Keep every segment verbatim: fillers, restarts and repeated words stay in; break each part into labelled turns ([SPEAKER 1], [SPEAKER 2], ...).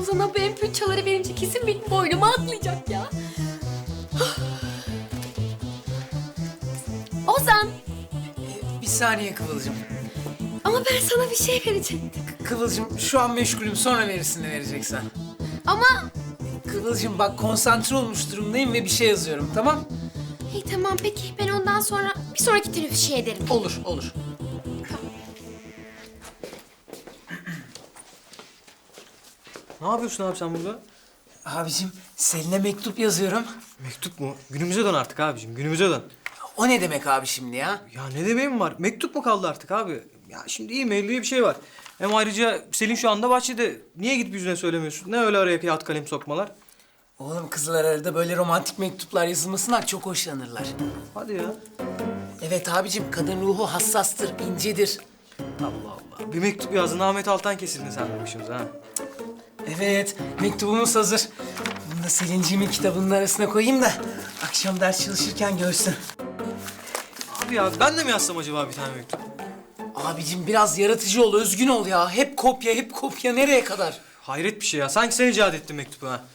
[SPEAKER 1] Ozan'a bu M P üç çaları verince kesin benim boynuma atlayacak ya. Ozan!
[SPEAKER 2] Bir saniye Kıvılcım.
[SPEAKER 1] Ama ben sana bir şey verecektim.
[SPEAKER 2] Kıvılcım şu an meşgulüm, sonra verirsin ne vereceksen.
[SPEAKER 1] Ama...
[SPEAKER 2] Kıvılcım bak, konsantre olmuş durumdayım ve bir şey yazıyorum, tamam?
[SPEAKER 1] İyi tamam peki, ben ondan sonra bir sonraki teneffüs şey ederim.
[SPEAKER 2] Olur, olur.
[SPEAKER 3] Ne yapıyorsun abi sen burada?
[SPEAKER 2] Abicim, Selin'e mektup yazıyorum.
[SPEAKER 3] Mektup mu? Günümüze dön artık abicim, günümüze dön.
[SPEAKER 2] O ne demek abi şimdi ya?
[SPEAKER 3] Ya ne demeyin var? Mektup mu kaldı artık abi? Ya şimdi e-mail diye bir şey var. Hem ayrıca Selin şu anda bahçede. Niye gidip yüzüne söylemiyorsun? Ne öyle araya kağıt kalem sokmalar?
[SPEAKER 2] Oğlum, kızlar arada böyle romantik mektuplar yazılmasından çok hoşlanırlar.
[SPEAKER 3] Hadi ya.
[SPEAKER 2] Evet abicim, kadın ruhu hassastır, incedir.
[SPEAKER 3] Allah Allah. Bir mektup yazdın, Ahmet Altan kesildi sen başımıza ha.
[SPEAKER 2] Evet, mektubumuz hazır. Bunu da Selinciğimin kitabının arasına koyayım da akşam ders çalışırken görsün.
[SPEAKER 3] Abi ya ben de mi yazsam acaba bir tane mektup?
[SPEAKER 2] Abicim biraz yaratıcı ol, özgün ol ya. Hep kopya, hep kopya. Nereye kadar?
[SPEAKER 3] Hayret bir şey ya. Sanki sen icat ettin mektubu ha.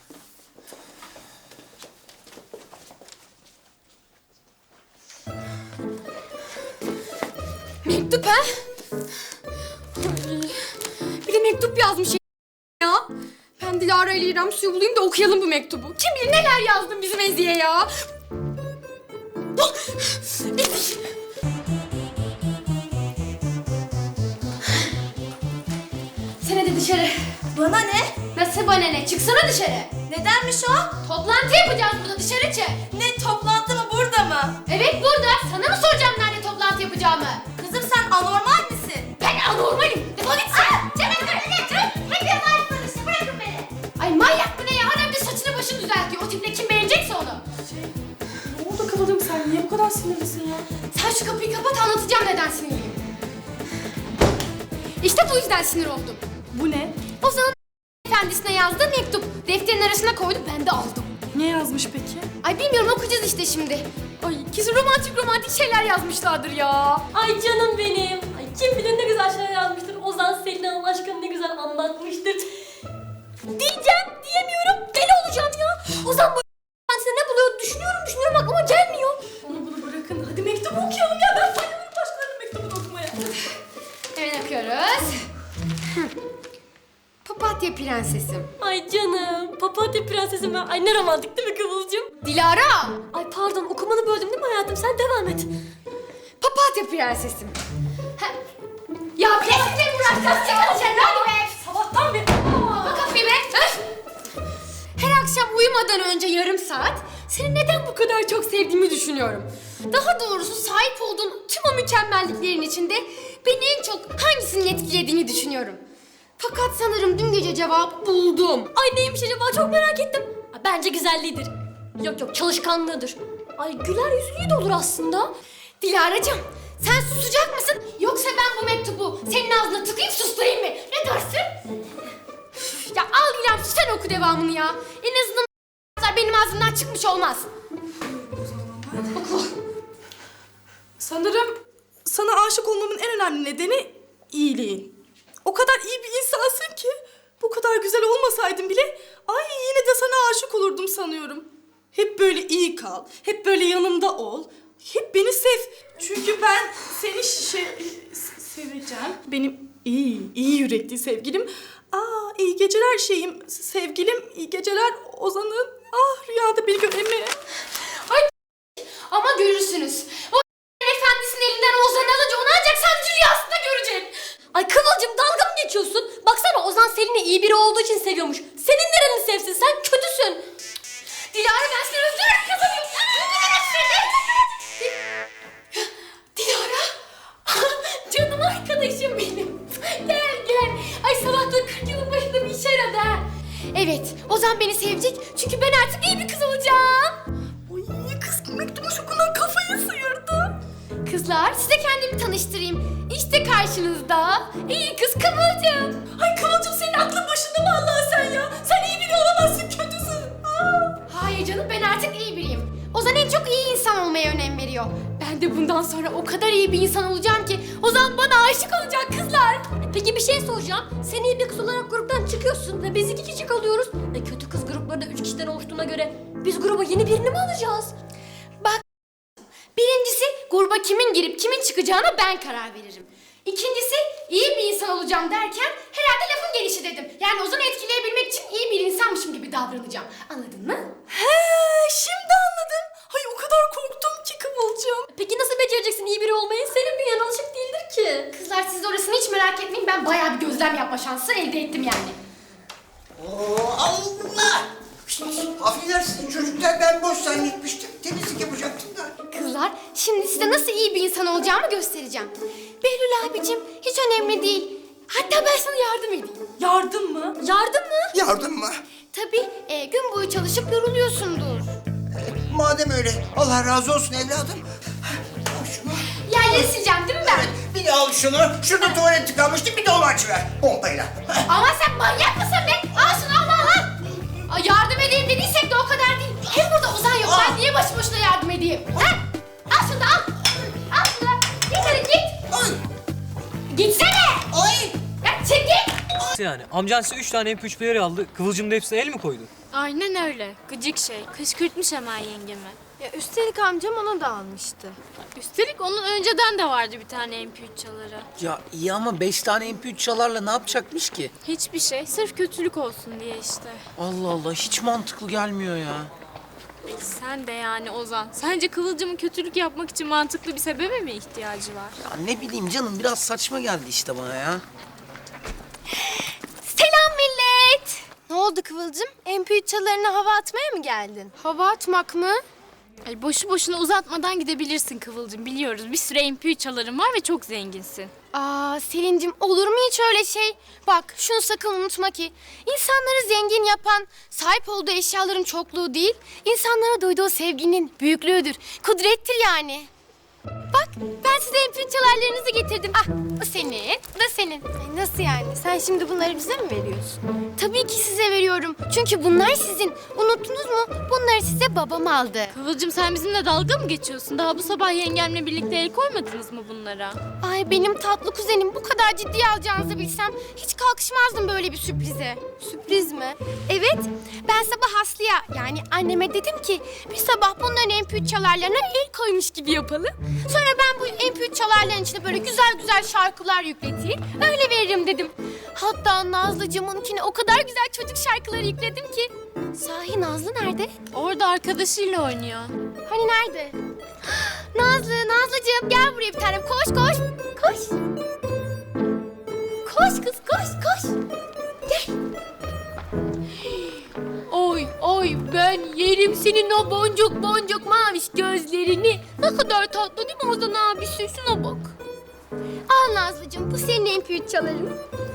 [SPEAKER 1] Mektup ha? Ay, bir de mektup yazmış ya. Ben Dilara ile İrem suyu bulayım da okuyalım bu mektubu. Kim bilir neler yazdın bizim Ezi'ye ya. Ezi. Sen hadi dışarı.
[SPEAKER 4] Bana ne?
[SPEAKER 1] Nasıl bana ne? Çıksana dışarı.
[SPEAKER 4] Nedenmiş o?
[SPEAKER 1] Toplantı yapacağız burada, dışarı çık.
[SPEAKER 4] Ne, toplantı mı, burada mı?
[SPEAKER 1] Evet burada. Sana mı soracağım nerede toplantı yapacağımı?
[SPEAKER 4] Kızım sen anormal misin?
[SPEAKER 1] Ben anormalim. Defol git sen. Cemil dur. Hepiniz aynısınız işte. Bırakın beni. Ay manyak mı ne ya? Adam bir saçını başını düzeltiyor. O tiple kim beğenecekse onu.
[SPEAKER 5] Ne oldu Kıvılcım, sen niye bu kadar sinirlisin ya?
[SPEAKER 1] Sen şu kapıyı kapat, anlatacağım neden sinirliyim. İşte bu yüzden sinir oldum.
[SPEAKER 5] Bu ne?
[SPEAKER 1] Ozan'ın efendisine yazdığı mektup. Defterin arasına koydu, ben de aldım.
[SPEAKER 5] Ne yazmış peki?
[SPEAKER 1] Ay bilmiyorum, okuyacağız işte şimdi. Ay kesin romantik romantik şeyler yazmışlardır ya.
[SPEAKER 6] Ay canım benim. Ay kim bilir ne güzel şeyler yazmıştır. Ozan Selin Hanım aşkını ne güzel anlatmıştır. Diyeceğim, diyemiyorum. Deli olacağım ya. Ozan bu kendisine ne buluyor düşünüyorum düşünüyorum aklıma gelmiyor.
[SPEAKER 5] Onu bunu bırakın. Hadi mektubu okuyalım ya. Ben bayılırım başkalarının mektubunu okumaya.
[SPEAKER 1] Hemen okuyoruz. Papatya prensesim.
[SPEAKER 6] Ay canım. Papatya prensesim ben. Ay ne romantik değil mi Kıvılcım?
[SPEAKER 1] Dilara.
[SPEAKER 6] Ay pardon okumanı böldüm değil mi hayatım? Sen devam et.
[SPEAKER 1] Papatya prensesim. Ha. Ya kesinlikle uğraşacağız. Çıkın dışarı hadi be.
[SPEAKER 6] Sabahtan beri.
[SPEAKER 1] Kapa kapıyı be. Öf. Her akşam uyumadan önce yarım saat seni neden bu kadar çok sevdiğimi düşünüyorum. Daha doğrusu sahip olduğun tüm o mükemmelliklerin içinde beni en çok hangisinin etkilediğini düşünüyorum. Fakat sanırım dün gece cevabı buldum.
[SPEAKER 6] Ay neymiş acaba çok merak ettim. Ay, bence güzelliğidir. Yok yok çalışkanlığıdır. Ay güler yüzlüğü de olur aslında.
[SPEAKER 1] Dilara'cığım sen susacak mısın? Yoksa ben bu mektubu senin ağzına tıkayıp susturayım mı? Ne dersin? Üf, ya al İrem sen oku devamını ya. En azından benim ağzımdan çıkmış olmaz. Oku.
[SPEAKER 5] Sanırım sana aşık olmamın en önemli nedeni iyiliğin. O kadar iyi bir insansın ki bu kadar güzel olmasaydın bile ay yine de sana aşık olurdum sanıyorum. Hep böyle iyi kal, hep böyle yanımda ol, hep beni sev. Çünkü ben seni şey, seveceğim. Benim iyi, iyi yürekli sevgilim. Aa iyi geceler şeyim, sevgilim, iyi geceler Ozan'ın. Ah rüyada beni göremeye.
[SPEAKER 1] Ay ama görürsünüz. O efendisinin elinden Ozan alınca onu ancak sadece rüyasında görecek.
[SPEAKER 6] Ay Kıvılcım dalga mı geçiyorsun? Baksana Ozan Selin'i iyi biri olduğu için seviyormuş. Senin nereni sevsin? Sen kötüsün.
[SPEAKER 1] Dilara ben seni öldürürüm kızım. Öldürürüm seni. Dilara. Canım arkadaşım benim. Gel gel. Ay sabahtan kırk yılın başında bir işe yaradı ha. Evet Ozan beni sevecek çünkü ben artık iyi bir kız olacağım.
[SPEAKER 5] Ay kız mektubu şokundan kafayı sıyırdı.
[SPEAKER 1] Kızlar size kendimi tanıştırayım. İşte karşınızda iyi kız Kıvılcım.
[SPEAKER 5] Ay Kıvılcım senin aklın başında mı Allah'ım sen ya? Sen iyi biri olamazsın, kötüsün. Aa.
[SPEAKER 1] Hayır canım ben artık iyi biriyim. Ozan en çok iyi insan olmaya önem veriyor. Ben de bundan sonra o kadar iyi bir insan olacağım ki Ozan bana aşık olacak kızlar.
[SPEAKER 6] Peki bir şey soracağım. Sen iyi bir kız olarak gruptan çık çıkıyorsun ve biz iki kişi kalıyoruz. E kötü kız grupları da üç kişiden oluştuğuna göre biz gruba yeni birini mi alacağız?
[SPEAKER 1] Bak, birincisi gruba kimin girip kimin çıkacağına ben karar veririm. İkincisi iyi bir insan olacağım derken herhalde lafın gelişi dedim. Yani Ozan'ı etkileyebilmek için iyi bir insanmışım gibi davranacağım. Anladın mı?
[SPEAKER 5] He, şimdi anladım. Hay o kadar korktum ki Kıvılcım.
[SPEAKER 6] Peki nasıl becereceksin iyi biri olmayı? Senin bir yanılışık değildir ki.
[SPEAKER 1] Kızlar siz orasını hiç merak etmeyin. Ben bayağı bir gözlem yapma şansı elde ettim yani.
[SPEAKER 7] Oo, Allah! Affedersiniz çocuklar, ben boş zannetmiştim. Temizlik yapacaktım da.
[SPEAKER 1] Kızlar, şimdi size nasıl iyi bir insan olacağımı göstereceğim. Behlül abicim, hiç önemli değil. Hatta ben sana yardım edeyim.
[SPEAKER 5] Yardım mı?
[SPEAKER 6] Yardım mı?
[SPEAKER 7] Yardım mı?
[SPEAKER 1] Tabii, e, gün boyu çalışıp yoruluyorsundur.
[SPEAKER 7] Madem öyle, Allah razı olsun evladım. Al şunu.
[SPEAKER 1] Yerleri sileceğim değil mi ben?
[SPEAKER 7] Bir de al şunu. Şurada tuvalet tıkanmıştı, bir de onu açıver. Pompayla.
[SPEAKER 1] Ama sen manyak mısın be? Al şunu, al al al. Ay, yardım edeyim dediysek de o kadar değil. Hem burada Ozan yok, ben niye başı boşuna yardım edeyim? Ha? Al şunu da al. Al şunu da. Git hadi git.
[SPEAKER 7] Ay!
[SPEAKER 1] Gitsene.
[SPEAKER 7] Ay!
[SPEAKER 1] Ya çek git.
[SPEAKER 3] Yani amcan size üç tane M P üç player aldı. Kıvılcım da hepsine el mi koydu?
[SPEAKER 8] Aynen öyle. Gıcık şey. Kışkırtmış hemen yengemi.
[SPEAKER 9] Ya üstelik amcam onu da almıştı.
[SPEAKER 8] Üstelik onun önceden de vardı bir tane M P üç çaları.
[SPEAKER 2] Ya iyi ama beş tane M P üç çalarla ne yapacakmış ki?
[SPEAKER 8] Hiçbir şey. Sırf kötülük olsun diye işte.
[SPEAKER 2] Allah Allah, hiç mantıklı gelmiyor ya.
[SPEAKER 8] Sen de yani Ozan. Sence Kıvılcım'ın kötülük yapmak için mantıklı bir sebebe mi ihtiyacı var?
[SPEAKER 2] Ya ne bileyim canım, biraz saçma geldi işte bana ya.
[SPEAKER 1] Selam millet.
[SPEAKER 9] Ne oldu Kıvılcım? M P üç çalarına hava atmaya mı geldin?
[SPEAKER 1] Hava atmak mı?
[SPEAKER 8] Ay boşu boşuna uzatmadan gidebilirsin Kıvılcım. Biliyoruz bir sürü M P üç çaların var ve çok zenginsin.
[SPEAKER 1] Aa Selin'cim, olur mu hiç öyle şey? Bak şunu sakın unutma ki insanları zengin yapan sahip olduğu eşyaların çokluğu değil, insanlara duyduğu sevginin büyüklüğüdür, kudrettir yani. Bak ben size M P üç çalarlarınızı getirdim. Ah bu senin, bu da senin.
[SPEAKER 9] Ay, nasıl yani? Sen şimdi bunları bize mi veriyorsun?
[SPEAKER 1] Tabii ki size veriyorum. Çünkü bunlar sizin. Unuttunuz mu? Bunları size babam aldı.
[SPEAKER 8] Kıvılcım sen bizimle dalga mı geçiyorsun? Daha bu sabah yengemle birlikte el koymadınız mı bunlara?
[SPEAKER 1] Ay benim tatlı kuzenim, bu kadar ciddiye alacağınızı bilsem hiç kalkışmazdım böyle bir sürprize.
[SPEAKER 9] Sürpriz mi?
[SPEAKER 1] Evet, ben sabah Aslı'ya yani anneme dedim ki bir sabah bunların M P üç çalarlarına el koymuş gibi yapalım. Sonra ben bu M P üç çalarların içine böyle güzel güzel şarkılar yükleteyim, öyle veririm dedim. Hatta Nazlıcığımınkine o kadar güzel çocuk şarkıları yükledim ki. Sahi Nazlı nerede?
[SPEAKER 8] Orada arkadaşıyla oynuyor.
[SPEAKER 1] Hani nerede? Nazlı, Nazlıcığım gel buraya bir tanem, koş koş. Koş. Koş kız, koş koş. Gel. Oy oy ben yerim senin o boncuk boncuk maviş gözlerini. Ne kadar tatlı değil mi Ozan abisi? Şuna bak. Al Nazlıcığım, bu senin M P üç çaların.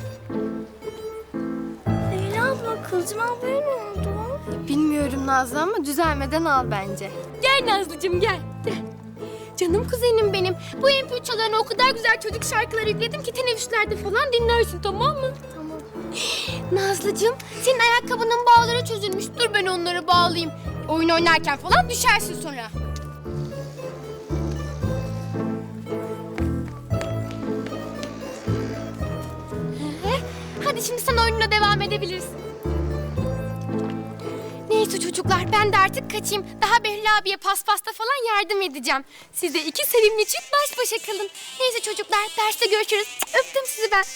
[SPEAKER 9] Leyla abla, Kıvılcım ablaya ne oldu? Bilmiyorum Nazlı ama düzelmeden al bence.
[SPEAKER 1] Gel Nazlıcığım gel. Gel. Canım kuzenim benim. Bu M P üç çalarına o kadar güzel çocuk şarkıları yükledim ki teneffüslerde falan dinlersin, tamam mı?
[SPEAKER 9] Tamam.
[SPEAKER 1] Nazlıcığım, senin ayakkabının bağları çözülmüş. Dur ben onları bağlayayım. Oyun oynarken falan düşersin sonra. Ee, Hadi şimdi sen oyununa devam edebilirsin. Neyse çocuklar, ben de artık kaçayım. Daha Behlül abiye paspasta falan yardım edeceğim. Size iki sevimli çift baş başa kalın. Neyse çocuklar, derste görüşürüz. Öptüm sizi ben.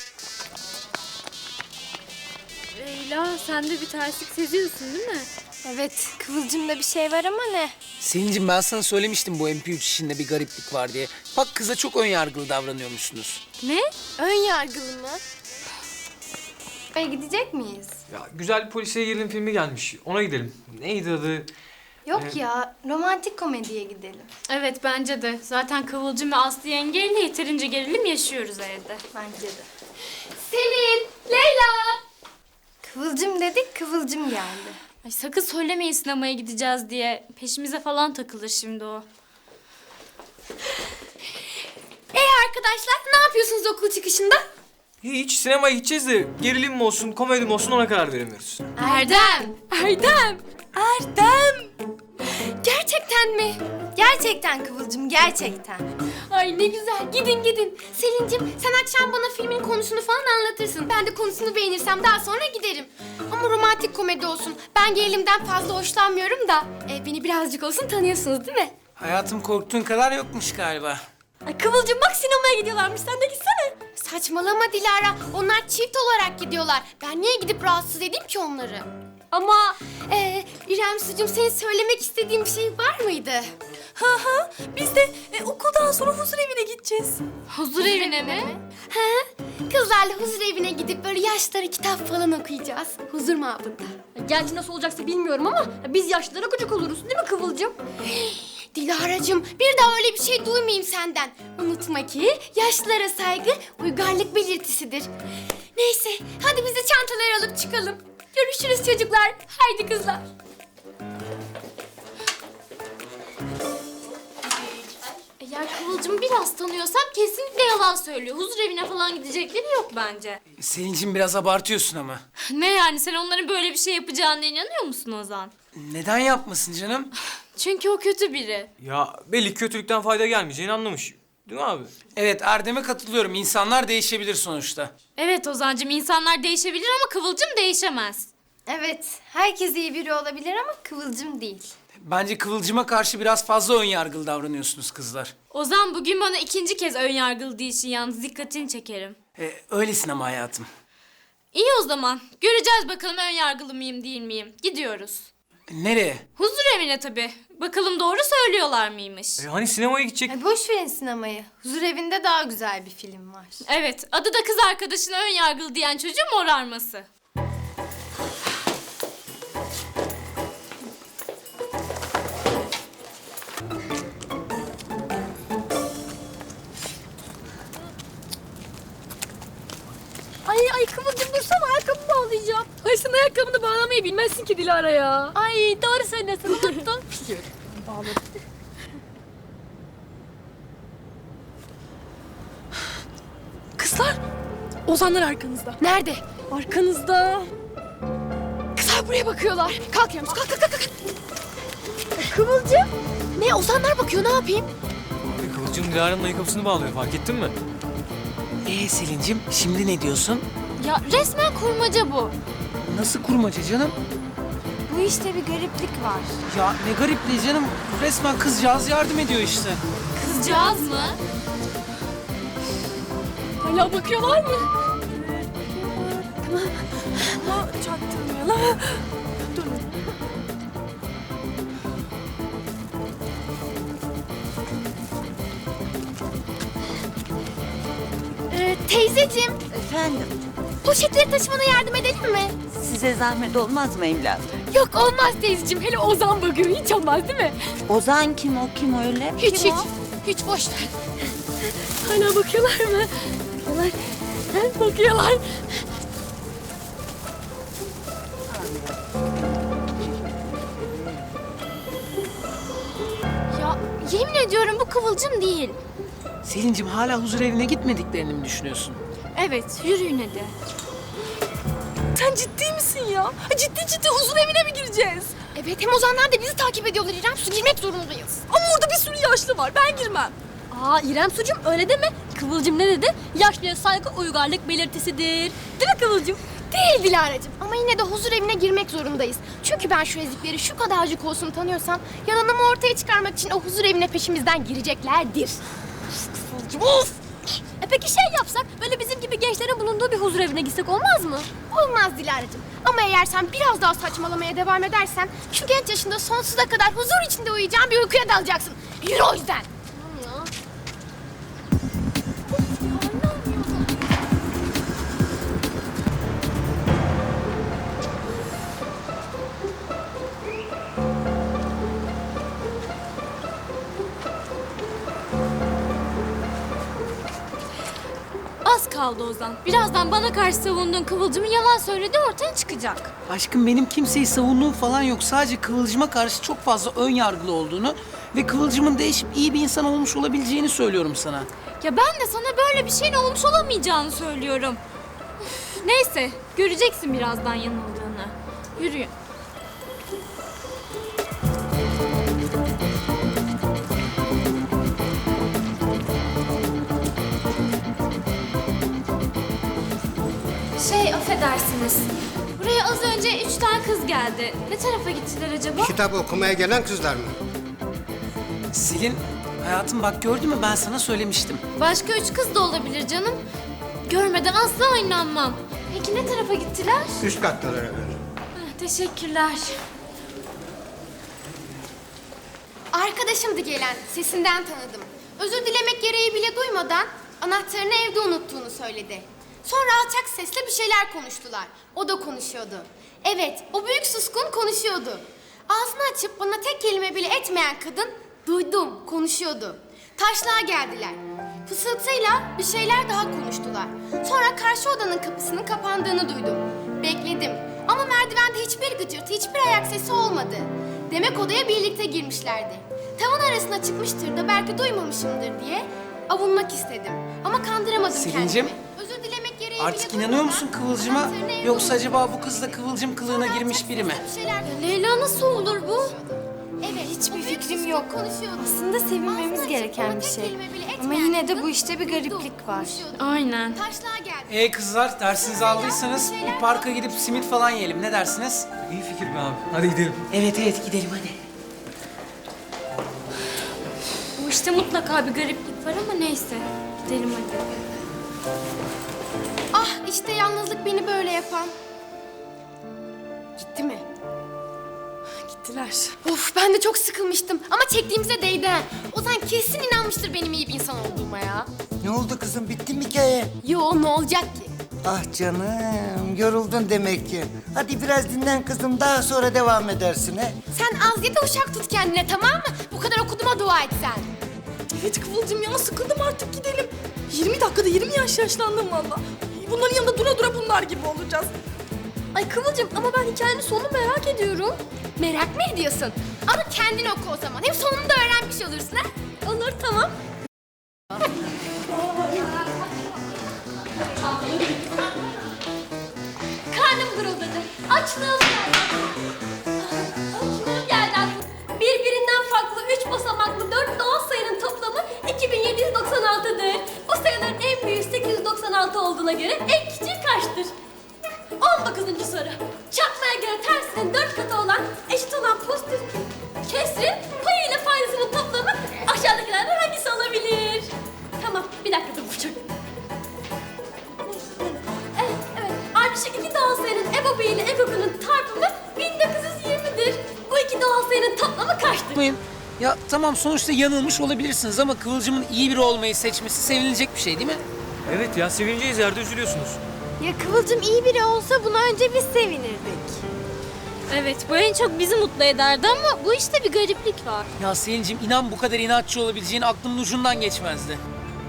[SPEAKER 8] Leyla sen de bir terslik seziyorsun değil mi?
[SPEAKER 9] Evet, Kıvılcım'da bir şey var ama ne?
[SPEAKER 2] Selin'cim, ben sana söylemiştim bu M P üç işinde bir gariplik var diye. Bak kıza çok önyargılı davranıyormuşsunuz.
[SPEAKER 8] Ne?
[SPEAKER 9] Ön yargılı mı? Oraya gidecek miyiz?
[SPEAKER 3] Ya güzel bir polisiye gerilim filmi gelmiş. Ona gidelim. Neydi adı?
[SPEAKER 9] Yok
[SPEAKER 3] Ee,
[SPEAKER 9] ya, romantik komediye gidelim.
[SPEAKER 8] Evet bence de. Zaten Kıvılcım ve Aslı yengeyle yeterince gerilim yaşıyoruz evde.
[SPEAKER 9] Bence de.
[SPEAKER 1] Selin, Leyla.
[SPEAKER 9] Kıvılcım dedik, Kıvılcım geldi.
[SPEAKER 8] Ay sakın söylemeyin sinemaya gideceğiz diye. Peşimize falan takılır şimdi o.
[SPEAKER 1] Ee arkadaşlar, ne yapıyorsunuz okul çıkışında?
[SPEAKER 3] Hiç sinemaya gideceğiz de gerilim mi olsun, komedi mi olsun ona karar veremiyoruz.
[SPEAKER 1] Erdem. Erdem. Erdem. Gerçekten mi?
[SPEAKER 9] Gerçekten Kıvılcım, gerçekten.
[SPEAKER 1] Ay ne güzel. Gidin gidin. Selin'cim sen akşam bana filmin konusunu falan anlatırsın. Ben de konusunu beğenirsem daha sonra giderim. Ama romantik komedi olsun. Ben gerilimden fazla hoşlanmıyorum da. E, beni birazcık olsun tanıyorsunuz değil mi?
[SPEAKER 2] Hayatım korktuğun kadar yokmuş galiba.
[SPEAKER 6] Ay Kıvılcım bak sinemaya gidiyorlarmış. Sen de gitsene.
[SPEAKER 1] Saçmalama Dilara. Onlar çift olarak gidiyorlar. Ben niye gidip rahatsız edeyim ki onları?
[SPEAKER 6] Ama
[SPEAKER 1] Ee, İrem Sucuğum senin söylemek istediğin bir şey var mıydı?
[SPEAKER 5] Ha ha, biz de e, okuldan sonra huzur evine gideceğiz.
[SPEAKER 8] Huzur evine mi?
[SPEAKER 1] He? Kızlarla huzur evine gidip böyle yaşları kitap falan okuyacağız. Huzur mabında.
[SPEAKER 6] gerçi nasıl olacaksa bilmiyorum ama biz yaşlılara gıcık oluruz değil mi Kıvılcım?
[SPEAKER 1] Dilara'cığım bir daha öyle bir şey duymayayım senden. Unutma ki yaşlılara saygı uygarlık belirtisidir. Neyse hadi biz de çantaları alıp çıkalım. Görüşürüz çocuklar. Haydi kızlar.
[SPEAKER 8] Eğer Kıvılcım'ı biraz tanıyorsam kesinlikle yalan söylüyor. Huzur evine falan gidecekleri yok bence.
[SPEAKER 2] Selin'cim biraz abartıyorsun ama.
[SPEAKER 8] Ne yani sen onların böyle bir şey yapacağına inanıyor musun Ozan?
[SPEAKER 2] Neden yapmasın canım?
[SPEAKER 8] Çünkü o kötü biri.
[SPEAKER 3] Ya belli ki kötülükten fayda gelmeyeceğini anlamış. Değil mi abi?
[SPEAKER 2] Evet Erdem'e katılıyorum. İnsanlar değişebilir sonuçta.
[SPEAKER 8] Evet Ozan'cığım insanlar değişebilir ama Kıvılcım değişemez.
[SPEAKER 9] Evet, herkes iyi biri olabilir ama Kıvılcım değil.
[SPEAKER 2] Bence Kıvılcım'a karşı biraz fazla önyargılı davranıyorsunuz kızlar.
[SPEAKER 8] Ozan bugün bana ikinci kez önyargılı değilsin yalnız dikkatini çekerim.
[SPEAKER 2] Ee, öylesin ama hayatım.
[SPEAKER 8] İyi o zaman. Göreceğiz bakalım önyargılı mıyım değil miyim. Gidiyoruz.
[SPEAKER 2] Nereye?
[SPEAKER 8] Huzur evine tabii. Bakalım doğru söylüyorlar mıymış?
[SPEAKER 3] E hani sinemaya gidecek?
[SPEAKER 9] Ay boş verin sinemayı. Huzur evinde daha güzel bir film var.
[SPEAKER 8] Evet, adı da kız arkadaşına önyargılı diyen çocuğun morarması.
[SPEAKER 6] Ay ay Kıvılcım dursana ayakkabımı bağlayacağım. Ay sen ayakkabını bağlamayı bilmezsin ki Dilara ya. Ay doğru söylüyorsun unuttun.
[SPEAKER 5] Kızlar, Ozanlar arkanızda.
[SPEAKER 1] Nerede?
[SPEAKER 5] Arkanızda.
[SPEAKER 1] Kızlar buraya bakıyorlar. Kalk Yavuz kalk kalk kalk. kalk.
[SPEAKER 5] Kıvılcım.
[SPEAKER 1] Ne Ozanlar bakıyor ne yapayım?
[SPEAKER 3] E, Kıvılcım Dilara'nın ayakkabısını bağlıyor fark ettin mi?
[SPEAKER 2] Ee Selin'cim şimdi ne diyorsun?
[SPEAKER 8] Ya resmen kurmaca bu.
[SPEAKER 2] Nasıl kurmaca canım?
[SPEAKER 9] Bu işte bir gariplik var.
[SPEAKER 2] Ya ne garipliği canım. Resmen kızcağız yardım ediyor işte.
[SPEAKER 8] Kızcağız mı?
[SPEAKER 6] Hala bakıyorlar mı?
[SPEAKER 5] Ama çaktırmayalım. Durun.
[SPEAKER 1] Ee, teyzeciğim
[SPEAKER 10] Efendim,
[SPEAKER 1] poşetleri taşımana yardım edelim mi?
[SPEAKER 10] size zahmet olmaz mı evladım?
[SPEAKER 1] Yok olmaz teyzeciğim. Hele Ozan bakıyor hiç olmaz değil mi?
[SPEAKER 10] Ozan kim, o kim öyle?
[SPEAKER 1] Hiç
[SPEAKER 10] Kim
[SPEAKER 1] hiç.
[SPEAKER 10] o?
[SPEAKER 1] Hiç boş ver.
[SPEAKER 6] Hala bakıyorlar mı? Bakıyorlar. Ha, bakıyorlar.
[SPEAKER 8] Ya yemin ediyorum bu Kıvılcım değil.
[SPEAKER 2] Selin'cim hala huzur evine gitmediklerini mi düşünüyorsun?
[SPEAKER 8] Evet, yürüyün hadi.
[SPEAKER 5] Sen ciddi misin ya? Ciddi ciddi huzur evine mi gireceğiz?
[SPEAKER 1] Evet hem Ozanlar da bizi takip ediyorlar İrem. Su girmek zorundayız.
[SPEAKER 5] Ama orada bir sürü yaşlı var. Ben girmem.
[SPEAKER 6] Aa İrem Sucuğum öyle deme. Kıvılcım ne dedi? Yaşlıya saygı uygarlık belirtisidir. Değil mi Kıvılcım?
[SPEAKER 1] Değil Dilara'cığım ama yine de huzur evine girmek zorundayız. Çünkü ben şu ezikleri şu kadarcık olsun tanıyorsam yalanımı ortaya çıkarmak için o huzur evine peşimizden gireceklerdir.
[SPEAKER 6] Kıvılcım of! E peki şey yapsak, böyle bizim gibi gençlerin bulunduğu bir huzur evine gitsek olmaz mı?
[SPEAKER 1] Olmaz Dilara'cığım ama eğer sen biraz daha saçmalamaya devam edersen şu genç yaşında sonsuza kadar huzur içinde uyuyacağın bir uykuya dalacaksın. Yürü o yüzden.
[SPEAKER 8] Az kaldı Ozan. Birazdan bana karşı savunduğun Kıvılcım'ın yalan söylediği ortaya çıkacak.
[SPEAKER 2] Aşkım benim kimseyi savunduğum falan yok. Sadece Kıvılcım'a karşı çok fazla ön yargılı olduğunu ve Kıvılcım'ın değişip iyi bir insan olmuş olabileceğini söylüyorum sana.
[SPEAKER 8] Ya ben de sana böyle bir şeyin olmuş olamayacağını söylüyorum. Üf, neyse, göreceksin birazdan yanıldığını. Yürüyün. Affedersiniz. Buraya az önce üç tane kız geldi. Ne tarafa gittiler acaba?
[SPEAKER 7] Kitap okumaya gelen kızlar mı?
[SPEAKER 2] Selin, hayatım bak gördün mü ben sana söylemiştim.
[SPEAKER 8] Başka üç kız da olabilir canım. Görmeden asla inanmam. Peki ne tarafa gittiler?
[SPEAKER 7] Üst kattalar efendim.
[SPEAKER 8] Heh, teşekkürler.
[SPEAKER 1] Arkadaşımdı gelen, sesinden tanıdım. Özür dilemek gereği bile duymadan anahtarını evde unuttuğunu söyledi. Sonra alçak sesle bir şeyler konuştular. O da konuşuyordu. Evet, o büyük suskun konuşuyordu. Ağzını açıp bana tek kelime bile etmeyen kadın, duydum, konuşuyordu. Taşlığa geldiler. Fısıltıyla bir şeyler daha konuştular. Sonra karşı odanın kapısının kapandığını duydum. Bekledim ama merdivende hiçbir gıcırtı, hiçbir ayak sesi olmadı. Demek odaya birlikte girmişlerdi. Tavan arasına çıkmıştır da belki duymamışımdır diye avunmak istedim. Ama kandıramadım
[SPEAKER 2] Selin'cim,
[SPEAKER 1] kendimi. Özür dilemek gereği
[SPEAKER 2] Artık
[SPEAKER 1] bile
[SPEAKER 2] inanıyor
[SPEAKER 1] duymadan
[SPEAKER 2] musun Kıvılcım'a?
[SPEAKER 1] anahtarını evde
[SPEAKER 2] Yoksa
[SPEAKER 1] unuttum.
[SPEAKER 2] acaba bu kız da Kıvılcım kılığına
[SPEAKER 1] Sonra
[SPEAKER 2] girmiş
[SPEAKER 1] alçak
[SPEAKER 2] biri mi?
[SPEAKER 1] sesle bir şeyler
[SPEAKER 8] Leyla nasıl olur bu?
[SPEAKER 1] Evet,
[SPEAKER 9] Hiçbir
[SPEAKER 1] o büyük
[SPEAKER 9] fikrim
[SPEAKER 1] suskun
[SPEAKER 9] yok.
[SPEAKER 1] konuşuyordu.
[SPEAKER 9] Aslında sevinmemiz
[SPEAKER 1] Ağzını açıp
[SPEAKER 9] gereken
[SPEAKER 1] bana
[SPEAKER 9] bir
[SPEAKER 1] tek
[SPEAKER 9] şey.
[SPEAKER 1] kelime bile
[SPEAKER 9] Ama
[SPEAKER 1] etmeyen
[SPEAKER 9] yine de
[SPEAKER 1] kadın
[SPEAKER 9] bu işte bir
[SPEAKER 1] duydum,
[SPEAKER 9] gariplik var.
[SPEAKER 1] konuşuyordu.
[SPEAKER 8] Aynen.
[SPEAKER 1] Taşlığa geldi.
[SPEAKER 2] Ee kızlar dersinizi aldıysanız bir parka gidip simit falan yiyelim. Ne dersiniz?
[SPEAKER 3] İyi fikir be abi. Hadi gidelim.
[SPEAKER 2] Evet evet gidelim hadi.
[SPEAKER 8] Bu işte mutlaka bir gariplik var ama neyse. Gidelim hadi.
[SPEAKER 1] Ah işte yalnızlık beni böyle yapan. Gitti mi?
[SPEAKER 5] Gittiler.
[SPEAKER 1] Of ben de çok sıkılmıştım ama çektiğimize değdi. ha. Ozan kesin inanmıştır benim iyi bir insan olduğuma ya.
[SPEAKER 7] Ne oldu kızım? Bitti mi hikaye?
[SPEAKER 1] Yo ne olacak ki?
[SPEAKER 7] Ah canım, yoruldun demek ki. Hadi biraz dinlen kızım, daha sonra devam edersin he.
[SPEAKER 1] Sen az ye de uşak tut kendine tamam mı? Bu kadar okuduğuma dua et sen.
[SPEAKER 5] Evet Kıvılcım ya, sıkıldım artık, gidelim. yirmi dakikada yirmi yaş yaşlandım valla. Bunların yanında dura dura bunlar gibi olacağız.
[SPEAKER 1] Ay Kıvılcım ama ben hikayenin sonunu merak ediyorum. Merak mı ediyorsun? Ama kendin oku o zaman. Hem sonunu da öğrenmiş olursun ha. Olur tamam.
[SPEAKER 6] Karnım guruldadı. Açlığım geldi. Açlığım geldi aklıma. Birbirinden farklı üç basamaklı dört doğal sayının toplamı iki bin yedi yüz doksan altı'dır. Bu sayıların en büyüğü sekiz yüz doksan altı olduğuna göre en küçüğü kaçtır? on dokuzuncu soru. Çarpmaya göre tersinin dört katı olan, eşit olan pozitif kesrin payı ile faydasının toplamı aşağıdakilerden hangisi olabilir? Tamam, bir dakika dur bu çok. Evet, evet. Ardışık iki doğal sayının ebobu ile ekokunun çarpımı bin dokuz yüz yirmi'dir. Bu iki doğal sayının toplamı kaçtır?
[SPEAKER 2] Yapmayın. Ya tamam sonuçta yanılmış olabilirsiniz ama Kıvılcım'ın iyi biri olmayı seçmesi sevinilecek bir şey değil mi?
[SPEAKER 3] Evet ya sevineceğiz yerde üzülüyorsunuz.
[SPEAKER 9] Ya Kıvılcım iyi biri olsa buna önce biz sevinirdik.
[SPEAKER 8] Evet, bu en çok bizi mutlu ederdi ama bu işte bir gariplik var.
[SPEAKER 2] Ya Selin'cim inan bu kadar inatçı olabileceğin aklımın ucundan geçmezdi.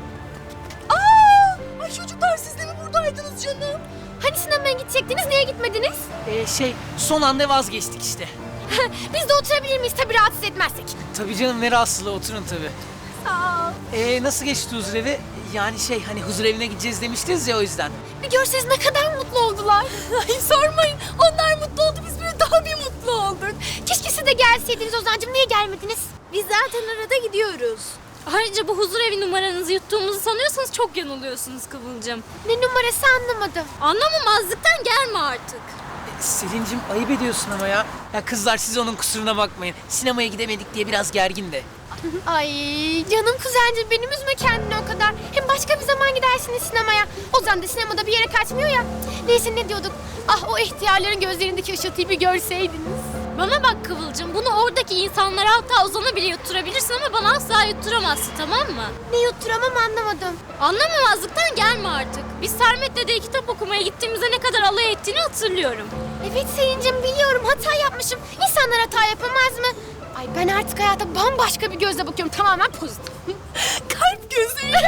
[SPEAKER 5] Aa! Ay çocuklar, siz de mi buradaydınız canım?
[SPEAKER 1] Hani sinemaya gidecektiniz niye gitmediniz?
[SPEAKER 2] Ee, şey son anda vazgeçtik işte.
[SPEAKER 1] Biz de oturabilir miyiz tabii rahatsız etmezsek.
[SPEAKER 2] Tabii canım ne rahatsızlığı oturun tabii.
[SPEAKER 1] Sağ ol.
[SPEAKER 2] Ee, nasıl geçti huzur evi? Yani şey hani huzur evine gideceğiz demiştiniz ya o yüzden.
[SPEAKER 1] Bir görseniz ne kadar mutlu oldular. Ay sormayın. Onlar mutlu oldu biz böyle daha bir mutlu olduk. Keşke siz de gelseydiniz Ozan'cığım. Niye gelmediniz?
[SPEAKER 9] Biz zaten arada gidiyoruz.
[SPEAKER 8] Ayrıca bu huzur evi numaranızı yuttuğumuzu sanıyorsanız çok yanılıyorsunuz Kıvılcım.
[SPEAKER 1] Ne numarası anlamadım.
[SPEAKER 8] Anlamamazlıktan gelme artık.
[SPEAKER 2] Ee, Selin'cim ayıp ediyorsun ama ya. Ya kızlar siz onun kusuruna bakmayın. Sinemaya gidemedik diye biraz gergin de.
[SPEAKER 1] Ay canım kuzencim benim üzme kendini o kadar. Hem başka bir zaman gidersiniz sinemaya. Ozan da sinemada bir yere kaçmıyor ya. Neyse ne diyorduk? Ah o ihtiyarların gözlerindeki ışıltıyı bir görseydiniz.
[SPEAKER 8] Bana bak Kıvılcım, bunu oradaki insanlara hatta Ozan'a bile yutturabilirsin ama bana asla yutturamazsın, tamam mı?
[SPEAKER 1] Ne yutturamam anlamadım.
[SPEAKER 8] Anlamamazlıktan gelme artık. Biz Sermet Dede'ye kitap okumaya gittiğimizde ne kadar alay ettiğini hatırlıyorum.
[SPEAKER 1] Evet Selin'cim biliyorum hata yapmışım. İnsanlar hata yapamaz mı? Ay ben artık hayata bambaşka bir gözle bakıyorum. Tamamen pozitif.
[SPEAKER 5] Kalp gözüyle.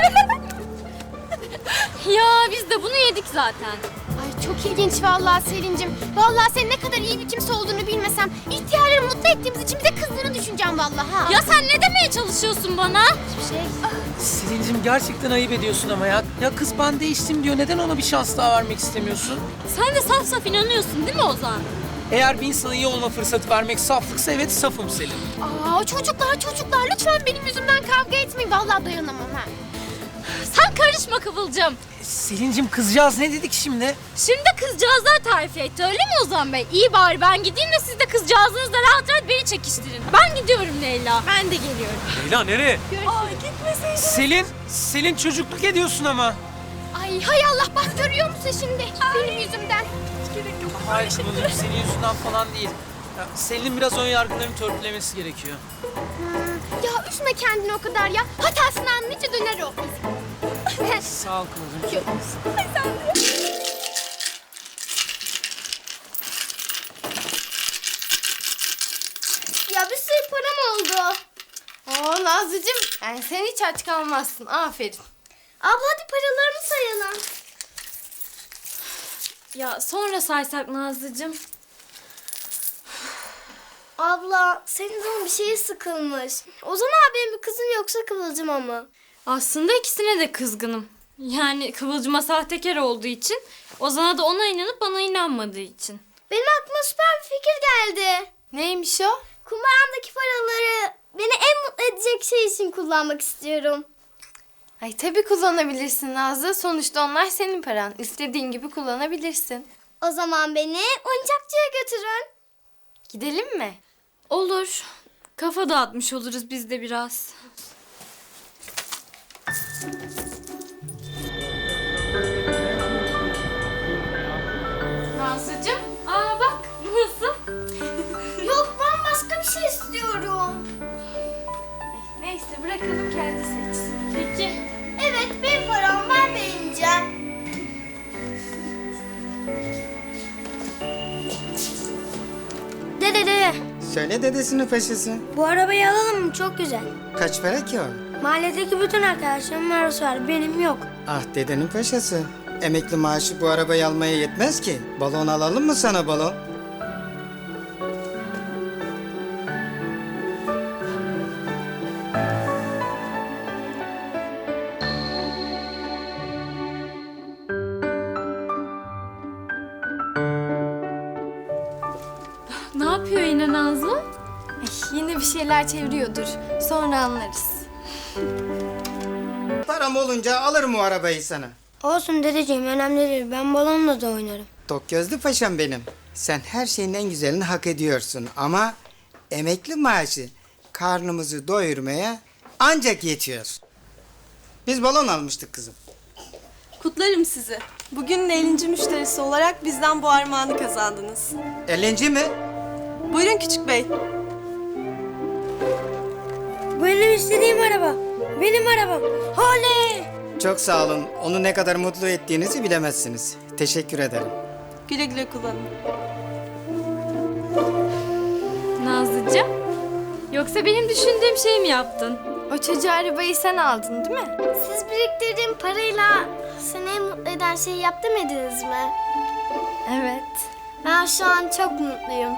[SPEAKER 8] Ya biz de bunu yedik zaten.
[SPEAKER 1] Ay çok ilginç vallahi Selin'cim. Vallahi senin ne kadar iyi bir kimse olduğunu bilmesem, ihtiyarları mutlu ettiğimiz için bize kızdığını düşüneceğim vallahi ha.
[SPEAKER 8] Ya sen ne demeye çalışıyorsun bana?
[SPEAKER 1] Hiçbir şey.
[SPEAKER 2] Selin'cim gerçekten ayıp ediyorsun ama ya. Ya kız ben değiştim diyor. Neden ona bir şans daha vermek istemiyorsun?
[SPEAKER 8] Sen de saf saf inanıyorsun değil mi Ozan?
[SPEAKER 2] Eğer bir insana iyi olma fırsatı vermek saflıksa evet safım Selin.
[SPEAKER 1] Aa çocuklar çocuklar lütfen benim yüzümden kavga etmeyin. Vallahi dayanamam ha.
[SPEAKER 8] Sen karışma Kıvılcım.
[SPEAKER 2] Selin'cim kızcağız ne dedik şimdi?
[SPEAKER 8] Şimdi kızcağızlar tarifi etti öyle mi Ozan Bey? İyi bari ben gideyim de siz de kızcağızınızla rahat rahat beni çekiştirin. Ben gidiyorum Leyla. Ben de geliyorum.
[SPEAKER 3] Leyla nereye?
[SPEAKER 5] Ay gitmeseydin.
[SPEAKER 2] Selin, Selin çocukluk ediyorsun ama.
[SPEAKER 1] Ay hay Allah bak görüyor musun şimdi? Benim yüzümden.
[SPEAKER 2] Hayır Kıvılcım senin yüzünden falan değil. Ya, Selin'in biraz ön yargılarını törpülemesi gerekiyor.
[SPEAKER 1] Ya üzme kendini o kadar ya. Hatasını anlayınca döner o.
[SPEAKER 2] Sağ ol Kıvılcım.
[SPEAKER 9] Ya bir sürü param oldu.
[SPEAKER 1] Oo Nazlıcığım yani sen hiç aç kalmazsın. Aferin.
[SPEAKER 9] Abla hadi paralarımı sayalım.
[SPEAKER 8] Ya sonra saysak Nazlıcığım.
[SPEAKER 9] Abla senin canın bir şeye sıkılmış. Ozan abinin bir kızın yoksa Kıvılcım ama.
[SPEAKER 8] Aslında ikisine de kızgınım. Yani Kıvılcım'a sahtekar olduğu için, Ozan'a da ona inanıp bana inanmadığı için.
[SPEAKER 9] Benim aklıma süper bir fikir geldi.
[SPEAKER 1] Neymiş o?
[SPEAKER 9] Kumbaramdaki paraları beni en mutlu edecek şey için kullanmak istiyorum.
[SPEAKER 1] Ay tabii kullanabilirsin Nazlı. Sonuçta onlar senin paran. İstediğin gibi kullanabilirsin.
[SPEAKER 9] O zaman beni oyuncakçıya götürün.
[SPEAKER 1] Gidelim mi?
[SPEAKER 8] Olur. Kafa dağıtmış oluruz biz de biraz. Nazlıcığım, aa bak nasıl?
[SPEAKER 9] Yok ben başka bir şey istiyorum.
[SPEAKER 1] Neyse bırakalım kendi seçsin.
[SPEAKER 8] Peki.
[SPEAKER 9] Evet benim param ben beğeneceğim. Dede dede
[SPEAKER 7] Söyle dedesinin paşası.
[SPEAKER 9] bu arabayı alalım mı? Çok güzel.
[SPEAKER 7] Kaç para ki o?
[SPEAKER 9] Mahalledeki bütün arkadaşlarımın arası var. Benim yok.
[SPEAKER 7] Ah dedenin paşası. Emekli maaşı bu arabayı almaya yetmez ki. Balon alalım mı sana balon?
[SPEAKER 8] Ne yapıyor yine Nazlı?
[SPEAKER 1] Ay, yine bir şeyler çeviriyordur. Sonra anlarız.
[SPEAKER 7] Param olunca alırım o arabayı sana.
[SPEAKER 9] Olsun dedeciğim önemli değil. Ben balonla da oynarım.
[SPEAKER 7] Tok gözlü paşam benim. Sen her şeyin en güzelini hak ediyorsun ama emekli maaşı karnımızı doyurmaya ancak yetiyor. Biz balon almıştık kızım.
[SPEAKER 5] Kutlarım sizi. Bugünün ellinci müşterisi olarak bizden bu armağanı kazandınız.
[SPEAKER 7] ellinci mi?
[SPEAKER 5] Buyurun küçük bey.
[SPEAKER 9] Bu benim istediğim araba. Benim arabam. Oley!
[SPEAKER 7] Çok sağ olun. Onu ne kadar mutlu ettiğinizi bilemezsiniz. Teşekkür ederim.
[SPEAKER 5] Güle güle kullanın.
[SPEAKER 8] Nazlıcığım, yoksa benim düşündüğüm şeyi mi yaptın?
[SPEAKER 1] O çocuğa arabayı sen aldın değil mi?
[SPEAKER 9] Siz biriktirdiğim parayla seni en mutlu eden şeyi yap demediniz mi?
[SPEAKER 1] Evet.
[SPEAKER 9] Ben şu an çok mutluyum.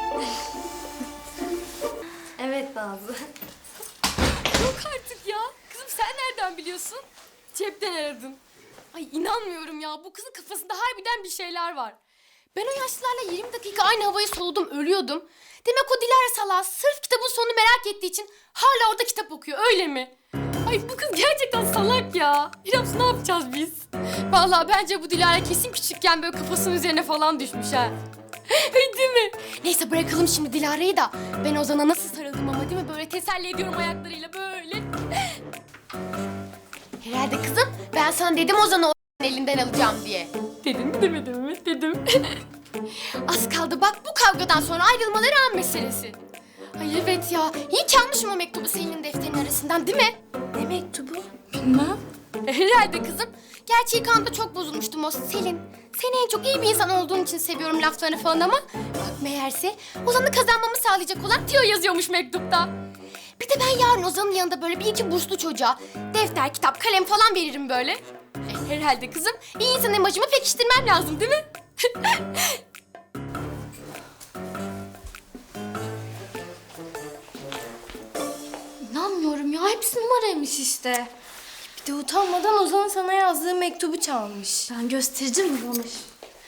[SPEAKER 1] Evet Nazlı. Yok artık ya. Kızım sen nereden biliyorsun? Cepten aradın. Ay inanmıyorum ya. Bu kızın kafasında harbiden bir şeyler var. Ben o yaşlılarla yirmi dakika aynı havayı soludum, ölüyordum. Demek o Dilara salağı sırf kitabın sonunu merak ettiği için hala orada kitap okuyor, öyle mi? Ay bu kız gerçekten salak ya. İrams ne yapacağız biz? Vallahi bence bu Dilara kesin küçükken böyle kafasının üzerine falan düşmüş ha. Ay değil mi? Neyse bırakalım şimdi Dilara'yı da. Ben Ozan'a nasıl sarıldım ama değil mi? Böyle teselli ediyorum ayaklarıyla böyle. Herhalde kızım ben sana dedim Ozan'ı o elinden alacağım diye. Dedim mi demedim mi? Dedim. Az kaldı bak bu kavgadan sonra ayrılmaları an meselesi. Ay evet ya. İyi ki almışım o mektubu Selin'in defterinin arasından değil mi? Ne mektubu? Bilmem. Herhalde kızım. Gerçi ilk anda çok bozulmuştum o Selin. Seni en çok iyi bir insan olduğun için seviyorum laflarını falan ama... Bak meğerse Ozan'ı kazanmamı sağlayacak olan Tio yazıyormuş mektupta. Bir de ben yarın Ozan'ın yanında böyle bir iki burslu çocuğa defter, kitap, kalem falan veririm böyle. E, herhalde kızım iyi insan imajımı pekiştirmem lazım değil mi? İnanmıyorum ya hepsi numaraymış işte. Bir de utanmadan Ozan'ın sana yazdığı mektubu çalmış.
[SPEAKER 8] Ben göstereceğim mi ona şimdi?